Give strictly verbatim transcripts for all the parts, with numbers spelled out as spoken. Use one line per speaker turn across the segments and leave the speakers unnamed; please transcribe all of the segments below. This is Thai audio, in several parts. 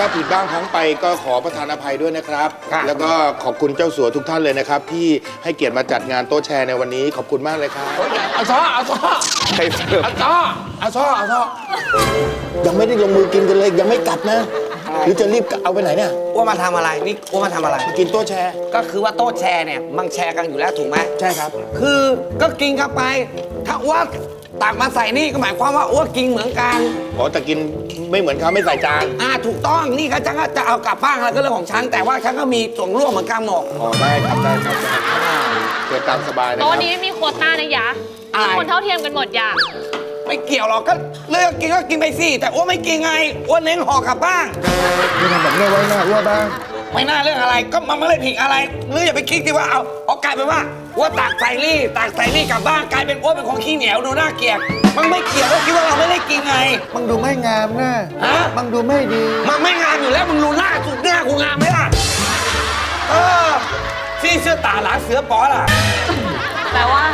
ถ้าผิดบ้างพลั้งไปก็ขอประทานอภัยด้วยนะครับแล้วก็ขอบคุณเจ้าสัวทุกท่านเลยนะครับที่ให้เกียรติมาจัดงานโต๊ะแชร์ในวันนี้ขอบคุณมากเลยครับอาซ้ออาซ้ออาซ้ออาซ้ออาซ้อยังไม่ได้ลงมือกินกันเลยยังไม่กลับนะหรือจะรีบเอาไปไหนเนี่ย
ว่ามาทำอะไรนี่ว่ามาทำอะไร
มากินโต๊ะแชร์
ก็คือว่าโต๊ะแชร์เนี่ยมันแชร์กันอยู่แล้วถูกไหม
ใช่ครับ
คือก็กินกันไปถ้าว่าตักมาใส่นี่ก็หมายความว่าอ้วกินเหมือนกัน
อ๋อแต่กินไม่เหมือนเขาไม่ใส่จาน
อ่าถูกต้องนี่เขาฉันก็จะเอากลับบ้านอะไรก็เรื่องของฉันแต่ว่าฉันก็มีส่วนร่วมเหมือนกันหมด
อ๋อได้ครับได้ครับเกิดตามสบายเลย
โต๊ะนี้ไม่มีโควต้านะยะทุกคนเท่าเทียมกันหมดยะ
ไม่เกี่ยวหรอกก็เลือกกินก็กินไปสิแต่อ้วนไม่กินไงอ้วนเน้นห่อกลับบ้าน
นี่ทำแบบนี้ไว้หน้าอ้วนบ้าง
ไม่น่าเรื่องอะไรก็มันไม่ได้ผิดอะไรหรืออย่าไปคิดที่ว่าเอาเอากลายเป็นว่าอ้วนตักใส่รี่ตักใส่รี่กลับบ้านกลายเป็นอ้วนเป็นของขี้เหนียวดูน่าเกลียดมันไม่เกี่ยวก็คิดว่าเราไม่ได้กินไง
มันดูไม่งามนะ
ฮะ
มันดูไม่ดี
มันไม่งามอยู่แล้วมึงดูหน้าสุดหน้ากูงามไหมล่ะเออซี่เสื้อตาหลาเสือป๋อล่ะ
แปลว่า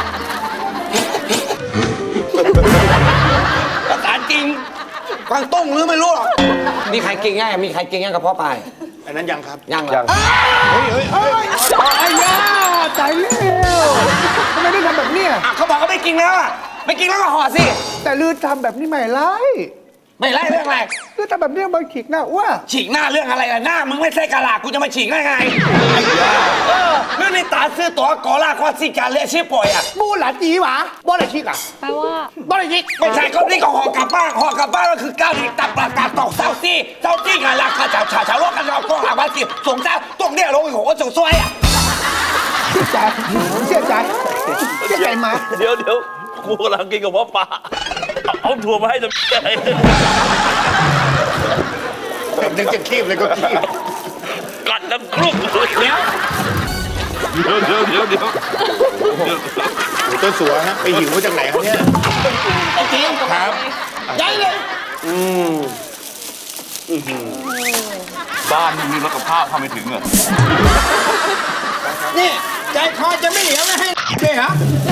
ภาษาจริงกวางตุ้งหรือไม่รู้หรอกมีใครกินง่ายมีใครกินง่ายกับพ่อปลาย
อันนั้นยังครับ
ยังยัง
เฮ้ยเฮ้ยเฮ้ย
ไอ้ย่าตายแล้วทำไมได้ทำแบบนี้
เขาบอกเขาไม่กินแล้วอ่ะไม่กินแล้วก็ห่อสิ
แต่ลือทำแบบนี้ไม่ไล่
ไม่ไล่เรื่องอะไร
ลือทำแบบนี้มันฉีกหน้าอ้ว
ฉีกหน้าเรื่องอะไรล่ะหน้ามึงไม่ใช่กะลากูจะมาฉีกได้ไงเออเรื่องนี้ตาซื้อตัวกอล่าข้อสิการเลี้ยชื่อป่อยอ่ะ
บูหลาจีหวะบ่อะไรฉีกอ่ะ
แปลว่า
บ่อะไรฉีก
ไม่ใช่ก็นี่ก็ห่อกลับบ้านห่อกลับบ้านก็คือก้าวหนีตับปลากาตอกเศร้าซี่เศร้าซี่กันราคาจ่าฉาฉาโลกกันเราก็หาวันสิสงสารตรงเนี้ยลงหัวสงสวยอ่ะ
เสียใจเสียใจเสียใจมา
เดี๋ยวเดี๋ยวกูกำลังกินกับพ่อปลาเอาถั่วมาให้จะ
นึกจะคีบเลยก็คีบ
กัดน้ำครุกเดี๋ยวเดี๋ยวเดี๋ยวเดี๋ยว
เจ้าสัวฮะไปหิวมาจากไหนครับเนี่ย
จริง
ครับ
ใหญ่เลย
อืมบ้านมึงมีรถกับข้าวเข้าไม่ถึงเหรอ
นี่ใจคอจะไม่เหลียวไม่ให้เลยเหรอ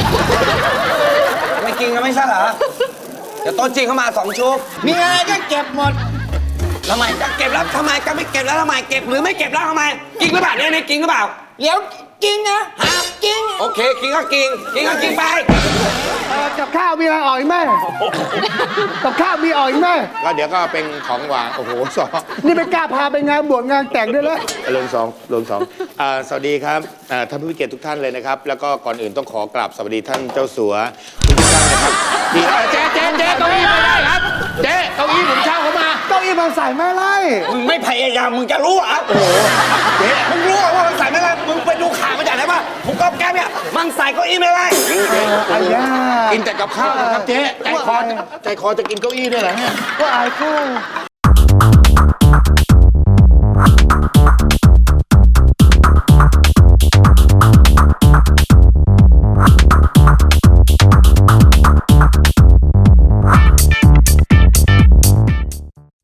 ไม่กินกันไม่ใช่เหรอเดี๋ยวโต๊ะจีนเข้ามาสองชุด
มีอะไรก็เก็บหมด
ทำไมจะเก็บแล้วทำไมจะไม่เก็บแล้วทำไมเก็บหรือไม่เก็บแล้วทำไมกินหรือเปล่าเนี่ยเนี่ยกินหรือเปล่า
เดี๋ยวกินนะ
ฮะ
กิน
โอเคกินก็กินกินก็กินไป
กับข้าวมีอะไรอ่อยไหมกับข้าวมีอ่อยไหม
ก็เดี๋ยวก็เป็นของหวานโอ้โหสอง
นี่ไม่กล้าพาไปงานบวชงานแต่งด้วยเลย
ลงสองลงสองสวัสดีครับท่านผู้มีเกียรติทุกท่านเลยนะครับแล้วก็ก่อนอื่นต้องขอกราบสวัสดีท่านเจ้าสัวทุกท่านนะครับ
เจ๊เจ๊เจ๊เก้าอี้มาได้ครับเจ๊เก้าอี้ผมเช่าเขามาเก้าอี้มันใส่ไม่ไล่
มึงไม่พยายามมึงจะรู้อ่ะโอ้โหเจ๊มึงรู้ว่ามันใส่ไม่ไล่มึงไปดูข่าวมาจากไหนป่ะผมก็แก้เนี่ยมันใส่เก้าอี้ไม่ไล่
ไอ้ย่า
กินแต่กับข้าวนะครับเจ๊ใจคอใจคอจะกินเก้าอี้ด้วยเหรอเนี่ย
ก็อายข้าว